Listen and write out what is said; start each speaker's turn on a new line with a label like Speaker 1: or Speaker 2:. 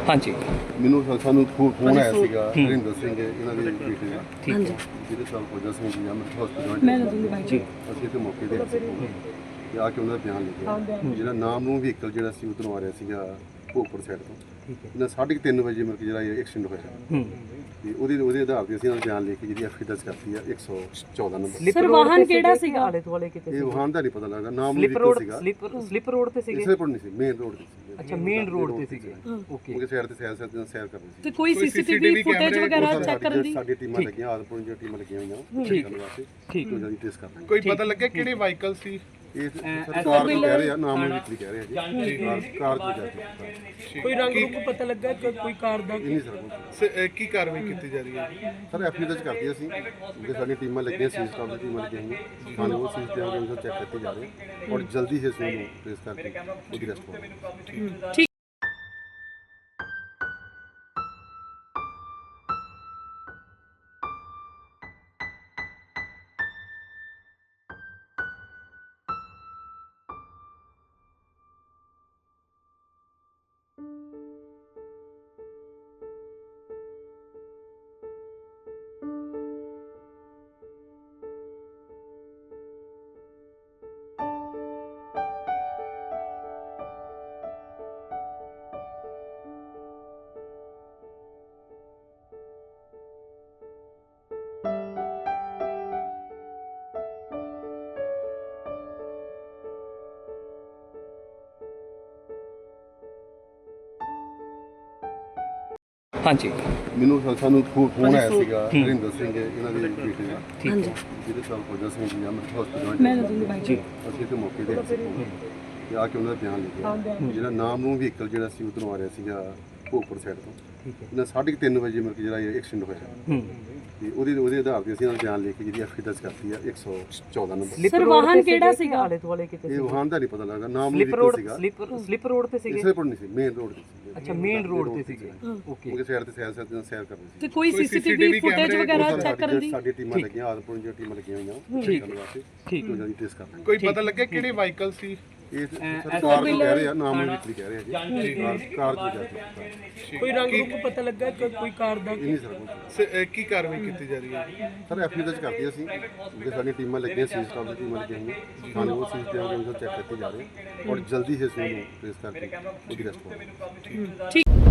Speaker 1: हाँ जी
Speaker 2: ਮੈਨੂੰ ਸਾਨੂੰ ਫੋਨ ਆਇਆ ਸੀਗਾ ਹਰਿੰਦਰ ਸਿੰਘ ਇਹਨਾਂ ਦੇ ਬੇਟੇ ਦਾ
Speaker 1: ठीक है
Speaker 2: ਜਿਹਦੇ ਨਾਲ ਫੌਜਾ ਸਿੰਘ ਜੀ ਅਮਰ ਹਸਪੀਟਲ
Speaker 1: जी
Speaker 2: ਅਸੀਂ ਤੇ ਮੌਕੇ ਤੇ ਆਏ ਸੀ ਤੇ ਆ ਕੇ ਉਹਨਾਂ ਦਾ ਬਿਆਨ ਲਿਖਿਆ ਜਿਹੜਾ ਨਾਮ ਨੂੰ ਵਹੀਕਲ ਜਿਹੜਾ ਸੀ ਉਧਰੋਂ ਆ ਰਿਹਾ ਸੀਗਾ ਭੋਗਪੁਰ ਸਾਈਡ ਤੋਂ
Speaker 1: ठीक है
Speaker 2: ਇਹਨਾਂ 3:30 ਵਜੇ ਮਿਲ ਕੇ ਜਿਹੜਾ ਇਹ ਐਕਸੀਡੈਂਟ ਹੋਇਆ ਤੇ ਉਹਦੇ ਆਧਾਰ ਤੇ ਅਸੀਂ ਉਹਨਾਂ ਦਾ ਬਿਆਨ ਲਿਖ ਕੇ ਜਿਹੜੀ ਐਫਆਈ ਦਰਜ ਕਰਤੀ ਆ 114 ਨੰਬਰ
Speaker 1: ਸਰ ਵਾਹਨ ਕਿਹੜਾ ਸੀਗਾ ਆਲੇ ਦੁਆਲੇ ਕਿਤੇ
Speaker 2: ਇਹ ਵਾਹਨ ਦਾ ਨਹੀਂ ਪਤਾ ਲੱਗਦਾ ਨਾਮ ਨੂੰ
Speaker 1: ਸਲਿਪ
Speaker 2: ਵਹੀਕਲ
Speaker 1: ਰੋਡ
Speaker 2: ਸੀਗਾ
Speaker 1: ਸਲਿਪ ਰੋਡ ਤੇ ਸੀਗੇ
Speaker 2: ਇਸੇ ਪਰ ਨਹੀਂ ਸੀ ਮੇਨ ਰੋਡ ਤੇ ਸੀ
Speaker 1: ਅੱਛਾ ਮੇਨ ਰੋਡ ਤੇ ਸੀਗੇ ਓਕੇ
Speaker 2: ਉਹਦੇ ਸਾਈਡ ਤੇ ਸੈਰ ਕਰ ਰਹੀ ਸੀ
Speaker 3: ਤੇ ਕੋਈ ਸੀਸੀਟੀਵੀ ਫੁਟੇਜ ਵਗੈਰਾ ਚੈੱਕ ਕਰਨ ਦੀ
Speaker 2: ਸਾਡੀ ਟੀਮਾਂ ਲੱਗੀਆਂ ਆਦਪੁਰ ਦੀਆਂ ਟੀਮਾਂ ਲੱਗੀਆਂ ਹੋਈਆਂ
Speaker 1: ਠੀਕ
Speaker 2: ਕਰਨ ਵਾਸਤੇ
Speaker 1: ਠੀਕ
Speaker 2: ਤੋਂ ਜਲਦੀ ਟੈਸਟ ਕਰਨਾ
Speaker 4: ਕੋਈ ਪਤਾ ਲੱਗਿਆ ਕਿਹੜੇ ਵਾਹੀਕਲ ਸੀ?
Speaker 2: ਇਹ ਸਰਕਾਰ ਨੂੰ ਕਹਿ ਰਹੇ ਆ ਨਾਮ ਨੂੰ ਵੀ ਕਹਿ ਰਹੇ ਆ ਜੀ ਕਾਰ ਤੋਂ ਜਾ ਕੇ
Speaker 3: ਕੋਈ ਰੰਗ ਰੂਪ ਪਤਾ ਲੱਗਾ ਕਿ ਕੋਈ ਕਾਰ ਦਾ
Speaker 2: ਇਹ ਨਹੀਂ ਸਰ
Speaker 4: ਕੀ ਕਾਰਵਾਈ ਕੀਤੀ ਜਾ ਰਹੀ ਹੈ?
Speaker 2: ਸਰ ਐਫਆਈ ਦਰਜ ਕਰਤੀ ਅਸੀਂ ਕਿਉਂਕਿ ਸਾਡੀਆਂ ਟੀਮਾਂ ਲੱਗੀਆਂ ਸੀ ਸਟਾਫ ਦੀ ਟੀਮਾਂ ਲੱਗੀਆਂ ਹੋਈਆਂ ਸਾਨੂੰ ਉਹ ਸੀਸੀਟੀਵੀ ਨੂੰ ਚੈੱਕ ਕੀਤੇ ਜਾ ਰਹੇ ਔਰ ਜਲਦੀ ਹੀ ਇਸ ਨੂੰ ਟ੍ਰੇਸ ਕਰਕੇ ਉਹਦੀ ਰੈਸਟ ਕਰਾਂਗੇ।
Speaker 3: ਠੀਕ
Speaker 1: हाँ जी
Speaker 2: ਮੈਨੂੰ ਸਾਨੂੰ ਫੋਨ ਆਇਆ ਸੀਗਾ ਹਰਿੰਦਰ ਸਿੰਘ ਇਹਨਾਂ ਦੇ ਬੇਟੇ ਦਾ
Speaker 1: ठीक है
Speaker 2: ਜਿਹਦੇ ਨਾਲ ਫੌਜਾ ਸਿੰਘ ਜੀ ਅਮਰ ਹਸਪੀਟਲ
Speaker 1: जी
Speaker 2: ਅਸੀਂ ਤੇ ਮੌਕੇ ਤੇ ਆਏ ਸੀ ਤੇ ਆ ਕੇ ਉਹਨਾਂ ਦਾ ਬਿਆਨ ਲਿਖਿਆ ਜਿਹੜਾ ਨਾਮ ਨੂੰ ਵਹੀਕਲ ਜਿਹੜਾ ਸੀ ਉਧਰੋਂ ਆ ਰਿਹਾ ਸੀਗਾ ਭੋਗਪੁਰ ਸਾਈਡ ਤੋਂ
Speaker 1: ठीक है
Speaker 2: ਇਹਨਾਂ 3:30 ਵਜੇ ਮਿਲ ਕੇ ਜਿਹੜਾ ਇਹ ਐਕਸੀਡੈਂਟ ਹੋਇਆ ਤੇ ਉਹਦੇ ਆਧਾਰ ਤੇ ਅਸੀਂ ਉਹਨਾਂ ਦਾ ਬਿਆਨ ਲਿਖ ਕੇ ਜਿਹੜੀ ਐਫਆਈ ਦਰਜ ਕਰਤੀ ਆ 114 ਨੰਬਰ
Speaker 3: ਸਰ ਵਾਹਨ ਕਿਹੜਾ ਸੀਗਾ
Speaker 1: ਆਲੇ ਦੁਆਲੇ ਕਿਤੇ
Speaker 2: ਇਹ ਵਾਹਨ ਦਾ ਨਹੀਂ ਪਤਾ ਲੱਗਦਾ ਨਾਮ ਨੂੰ
Speaker 1: ਸਲਿਪ
Speaker 2: ਵਹੀਕਲ
Speaker 1: ਰੋਡ
Speaker 2: ਸੀਗਾ
Speaker 1: ਸਲਿਪ ਰੋਡ ਤੇ ਸੀਗੇ
Speaker 2: ਇਸੇ ਪਰ ਨਹੀਂ ਸੀ ਮੇਨ ਰੋਡ ਤੇ ਸੀ
Speaker 1: ਅੱਛਾ ਮੇਨ ਰੋਡ ਤੇ ਸੀਗੇ ਓਕੇ
Speaker 2: ਉਹਦੇ ਸਾਈਡ ਤੇ ਸੈਰ ਕਰ ਰਹੀ ਸੀ
Speaker 3: ਤੇ ਕੋਈ ਸੀਸੀਟੀਵੀ ਫੁਟੇਜ ਵਗੈਰਾ ਚੈੱਕ ਕਰਨ ਦੀ
Speaker 2: ਸਾਡੀ ਟੀਮਾਂ ਲੱਗੀਆਂ ਆਦਪੁਰ ਦੀਆਂ ਟੀਮਾਂ ਲੱਗੀਆਂ ਹੋਈਆਂ ਕਰਨ ਵਾਸਤੇ
Speaker 1: ਠੀਕ
Speaker 2: ਤੋਂ ਜਲਦੀ ਟੈਸਟ ਕਰਨਾ
Speaker 4: ਕੋਈ ਪਤਾ ਲੱਗਿਆ ਕਿਹੜੇ ਵਾਹੀਕਲ ਸੀ?
Speaker 2: ਇਹ ਸਰਕਾਰ ਨੂੰ ਕਹਿ ਰਹੇ ਆ ਨਾਮ ਨੂੰ ਵੀ ਕਹਿ ਰਹੇ ਆ ਜੀ ਕਾਰ ਤੋਂ ਜਾ ਕੇ
Speaker 3: ਕੋਈ ਰੰਗ ਰੂਪ ਪਤਾ ਲੱਗਾ ਕਿ ਕੋਈ ਕਾਰ ਦਾ
Speaker 2: ਇਹ ਨਹੀਂ ਸਰ
Speaker 4: ਕੀ ਕਾਰਵਾਈ ਕੀਤੀ ਜਾ ਰਹੀ ਹੈ?
Speaker 2: ਸਰ ਐਫਆਈ ਦਰਜ ਕਰਤੀ ਅਸੀਂ ਕਿਉਂਕਿ ਸਾਡੀਆਂ ਟੀਮਾਂ ਲੱਗੀਆਂ ਸੀ ਸਟਾਫ ਦੀ ਟੀਮਾਂ ਲੱਗੀਆਂ ਹੋਈਆਂ ਸਾਨੂੰ ਉਹ ਸੀਸੀਟੀਵੀ ਨੂੰ ਚੈੱਕ ਕੀਤੇ ਜਾ ਰਹੇ ਔਰ ਜਲਦੀ ਹੀ ਇਸ ਨੂੰ ਟ੍ਰੇਸ ਕਰਕੇ ਉਹਦੀ ਰੈਸਟ ਕਰਾਂਗੇ।
Speaker 3: ਠੀਕ